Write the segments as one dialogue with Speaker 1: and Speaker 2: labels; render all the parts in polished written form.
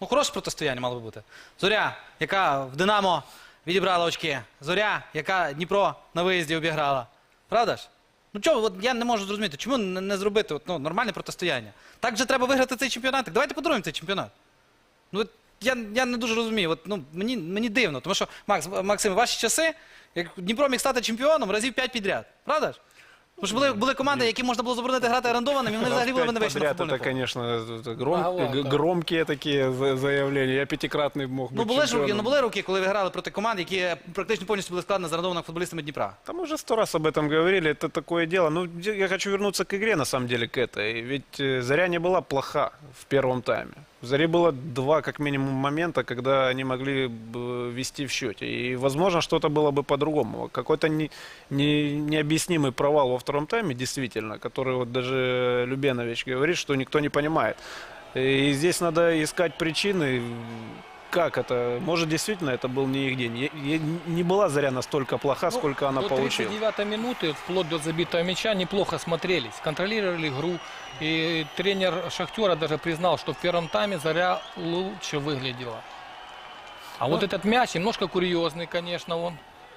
Speaker 1: Ну, хороше протистояння мало би бути. Зоря, яка в Динамо відібрала очки. Зоря, яка Дніпро на виїзді обіграла. Правда ж? Ну чого, от я не можу зрозуміти, чому не зробити нормальне протистояння? Так же треба виграти цей чемпіонат. Так давайте подаруємо цей чемпіонат. Ну, я не дуже розумію. От, ну, мені дивно, тому що, Максим, ваші часи, як Дніпро міг стати чемпіоном разів 5 підряд. Правда ж? Тому що були команди, які можна було заборонити грати орендованим, і вони взагалі були б не вийшли на футбольне поле.
Speaker 2: Это, конечно, громкие такие заявления. Я пятикратный мог быть чемпионом.
Speaker 1: Ну, були роки, коли ви грали проти команд, які практично повністю були складені з орендованими футболістами Дніпра.
Speaker 2: Там уже 100 раз об этом говорили, это такое дело. Ну, я хочу вернуться к игре, на самом деле, к этой. Ведь Заря не была плоха в первом тайме. В Заре было 2, как минимум, момента, когда они могли вести в счете. И, возможно, что-то было бы по-другому. Какой-то необъяснимый провал во втором тайме, действительно, который вот даже Любенович говорит, что никто не понимает. И здесь надо искать причины. Как это? Может, действительно, это был не их день. Не была Заря настолько плоха, сколько она получила.
Speaker 3: До 39-й минуты, вплоть до забитого мяча, неплохо смотрелись. Контролировали игру. И тренер Шахтера даже признал, что в первом тайме Заря лучше выглядела. А вот этот мяч немножко курьезный, конечно, он.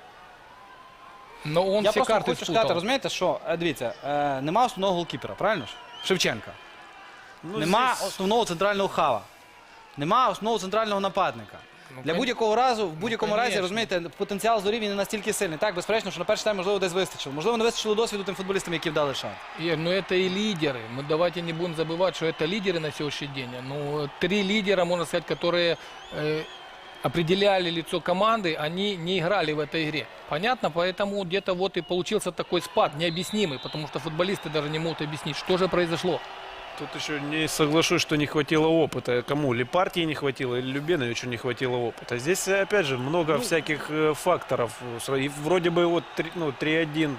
Speaker 3: Но он
Speaker 1: Я
Speaker 3: все
Speaker 1: просто
Speaker 3: карты
Speaker 1: хочу сказати, розумієте, що, дивіться, нема основного голкіпера, правильно ж? Шевченка. Нема основного центрального хава. Нема основного центрального нападника. Для будь-якого разу, в будь-якому разі, розумієте, потенціал Зорі він не настільки сильний. Так, безперечно, що на перший тайм, можливо, десь вистачило. Можливо, не вистачило досвіду тим футболістам, які вдали шанс.
Speaker 3: Ир, ну это и лидеры. Мы давайте не будем забывать, что это лидеры на сегодняшний день. Ну, 3 лидера, можно сказать, которые определяли лицо команды, они не играли в этой игре. Понятно? Поэтому где-то вот и получился такой спад, необъяснимый, потому что футболисты даже не могут объяснить, что же произошло.
Speaker 2: Тут еще не соглашусь, что не хватило опыта. Кому? Ли партии не хватило, или Любеновичу не хватило опыта. Здесь, опять же, много всяких факторов. И вроде бы вот 3-1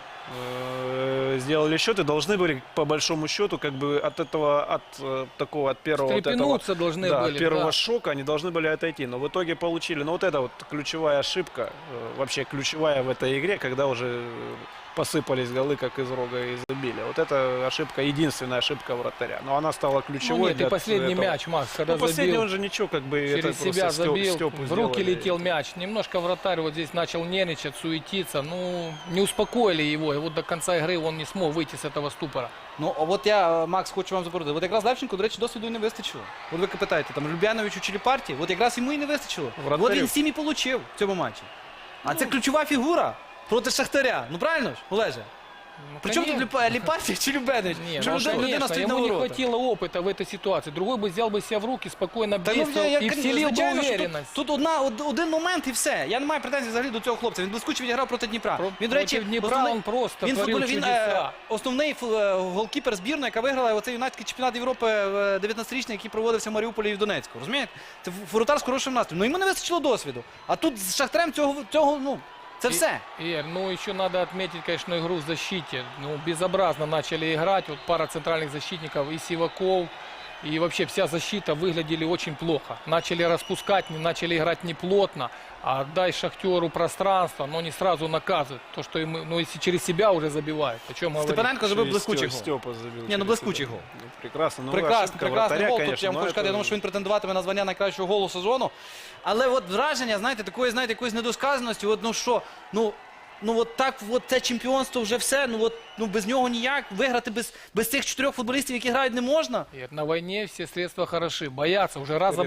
Speaker 2: сделали счет и должны были, по большому счету, как бы от этого, от первого,
Speaker 3: должны были,
Speaker 2: первого
Speaker 3: да.
Speaker 2: шока они должны были отойти. Но в итоге получили. Но вот это вот ключевая ошибка, вообще ключевая в этой игре, когда уже посыпались голы, как из рога изобилия. Вот эта ошибка, единственная ошибка вратаря. Но она стала ключевой.
Speaker 3: Ну нет, и последний мяч, Макс, когда
Speaker 2: последний
Speaker 3: забил,
Speaker 2: он же ничего, как бы
Speaker 3: через
Speaker 2: это
Speaker 3: себя забил,
Speaker 2: Степу
Speaker 3: в руки
Speaker 2: сделали.
Speaker 3: летел мяч. Немножко вратарь вот здесь начал нервничать, суетиться. Ну, не успокоили его. И вот до конца игры он не смог выйти с этого ступора.
Speaker 1: Ну, от я, Макс, хочу вам запорудити. От якраз Левченко, до речі, досвіду і не вистачило. От ви питаєте, там, Любяновичу чи Ліпарті, от якраз йому і не вистачило. От він 7 і получив в цьому матчі. А це ключова фігура проти Шахтаря. Ну, правильно ж, Олеже?
Speaker 3: Ну,
Speaker 1: Причем тут Липартий чи Любенович?
Speaker 3: Нет,
Speaker 1: Что
Speaker 3: ну,
Speaker 1: людина стоит на
Speaker 3: ему не
Speaker 1: воротах?
Speaker 3: хватило опыта в этой ситуации. Другой бы взял бы себя в руки, спокойно
Speaker 1: Та,
Speaker 3: действовал и вселил бы
Speaker 1: звичайно, що
Speaker 3: уверенность.
Speaker 1: Тут один момент і все. Я не маю претензій взагалі до цього хлопця. Він блискуче відіграв проти Дніпра. Він, до речі,
Speaker 3: Против Днепра он просто творил чудеса.
Speaker 1: Основний голкіпер збірної, яка виграла оцей юнацький чемпіонат Європи 19-річний, який проводився в Маріуполі і в Донецьку. Розумієте? Це воротар з хорошим настроєм. Ну йому не вистачило досвіду. А тут з Шахтарем цього, ну, це все.
Speaker 3: Ир, ну еще надо отметить, конечно, игру в защите. Ну, безобразно начали играть. Вот пара центральных защитников и Сиваков, и вообще вся защита выглядели очень плохо. Начали распускать, начали играть неплотно. А дай Шахтеру пространство, но не сразу наказывают. То, что ему, ну, если через себя уже забивают. О чем говорить?
Speaker 1: Степаненко забив блискучий гол.
Speaker 2: Степа забил.
Speaker 1: Ні, ну блискучий гол.
Speaker 2: Прекрасно.
Speaker 1: Прекрасний гол. Тут я вам хочу сказати, я
Speaker 2: это...
Speaker 1: думаю, що він претендуватиме на звання найкращого голу сезону. Але от враження, знаєте, такої, якоїсь недосказаності, от, ну що, ну от так, от це чемпіонство вже все, ну без нього ніяк, виграти без цих 4 футболістів, які грають, не можна.
Speaker 3: Ир, на войне все средства хороши. Боятся, уже раз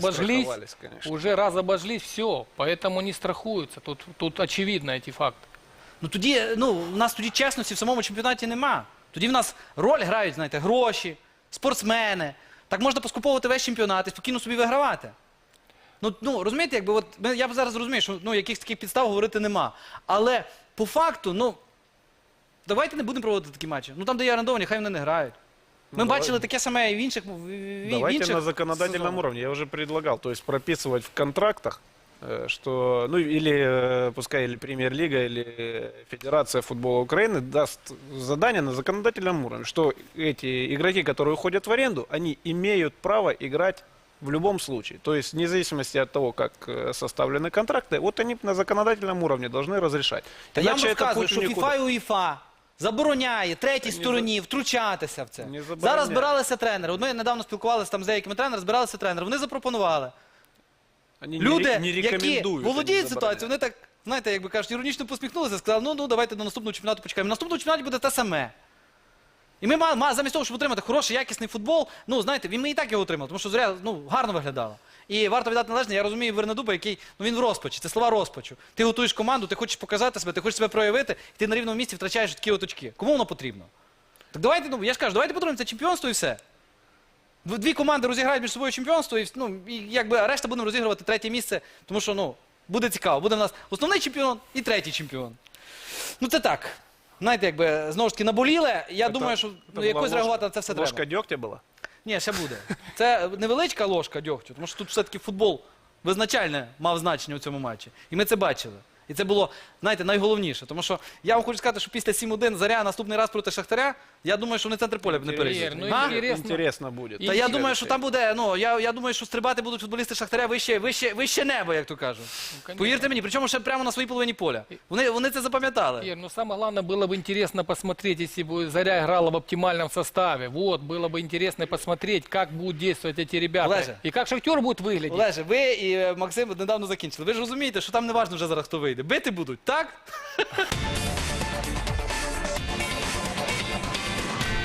Speaker 3: обожглись, все. Поэтому не страхуются. Тут очевидно эти факты.
Speaker 1: Ну тоді, у нас тоді чесності в самому чемпіонаті нема. Тоді в нас роль грають, знаєте, гроші, спортсмени. Так можна поскуповувати весь чемпіонат і спокійно собі вигравати. Ну розумієте, якби от я б зараз розумію, що якихось таких підстав говорити нема. Але по факту, давайте не будемо проводити такі матчі. Ну там, де є орендовані, хай вони не грають. Ми бачили таке саме і в інших
Speaker 2: Давайте на законодательном уровне. Я уже предлагал, то есть прописывать в контрактах, что, ну или пускай или Премьер-лига, или Федерация футбола Украины даст задание на законодательном уровне, что эти игроки, которые уходят в аренду, они имеют право играть в любом случае. То есть, вне зависимости от того, как составлены контракты, вот они на законодательном уровне должны разрешать.
Speaker 1: Та я вам розказую, що ФІФА і УЄФА забороняє третій стороні втручатися в це. Зараз збиралися тренери. От ми недавно спілкувалися там з деякими тренерами, збиралися тренери. Вони запропонували
Speaker 2: Они
Speaker 1: Люди,
Speaker 2: не
Speaker 1: які
Speaker 2: рекомендуют. они
Speaker 1: володіють
Speaker 2: забороняют.
Speaker 1: ситуацією, вони так, знаєте, якби кажуть, іронічно посміхнулися, сказали, ну давайте до наступного чемпіонату почекаємо. Наступного чемпіонаті буде те саме. І ми замість того, щоб отримати хороший, якісний футбол, ну, знаєте, ми і так його отримали, тому що Зоря, ну, гарно виглядала. І варто віддати належне, я розумію Вернедуба, який, ну, він в розпачі, це слова розпачу. Ти готуєш команду, ти хочеш показати себе, ти хочеш себе проявити, і ти на рівному місці втрачаєш такі от очки. Кому воно потрібно? Так давайте, ну, я ж кажу, давайте подаруємо це чемпіонство і все. Дві команди розіграють між собою чемпіонство, і, ну, і якби решта будемо розігрувати третє місце, тому що, ну, буде цікаво. Буде в нас основний чемпіон і третій чемпіон. Ну, це так. Знаєте, якби, знову ж таки, наболіле. Я думаю, що ну,
Speaker 2: была
Speaker 1: якось реагувати на це все
Speaker 2: ложка
Speaker 1: треба.
Speaker 2: дегтя была?
Speaker 1: Ні, ще буде. Це невеличка ложка дьогтю, тому що тут все-таки футбол визначальне мав значення у цьому матчі. І ми це бачили. І це було, знаєте, найголовніше. Тому що я вам хочу сказати, що після 7-1 Зоря наступний раз проти Шахтаря, я думаю, що вони центр поля не перейдуть.
Speaker 3: Ну,
Speaker 1: А?
Speaker 2: Интересно будет.
Speaker 1: Та я думаю, що там буде, ну, я думаю, що стрибати будуть футболісти Шахтаря вище небо, як то кажуть.
Speaker 3: конечно.
Speaker 1: Повірте мені, причому ще прямо на своїй половині поля. Вони це запам'ятали.
Speaker 3: Ир, ну самое главное, было бы интересно посмотреть, если бы Заря играла в оптимальном составе. Вот, было бы интересно посмотреть, как будут действовать эти ребята.
Speaker 1: Олеже.
Speaker 3: И как Шахтер будет выглядеть.
Speaker 1: Олеже, ви і Максим недавно закінчили. Ви ж розумієте, що там не важно вже зараз, хто вийде. Бити будуть, так?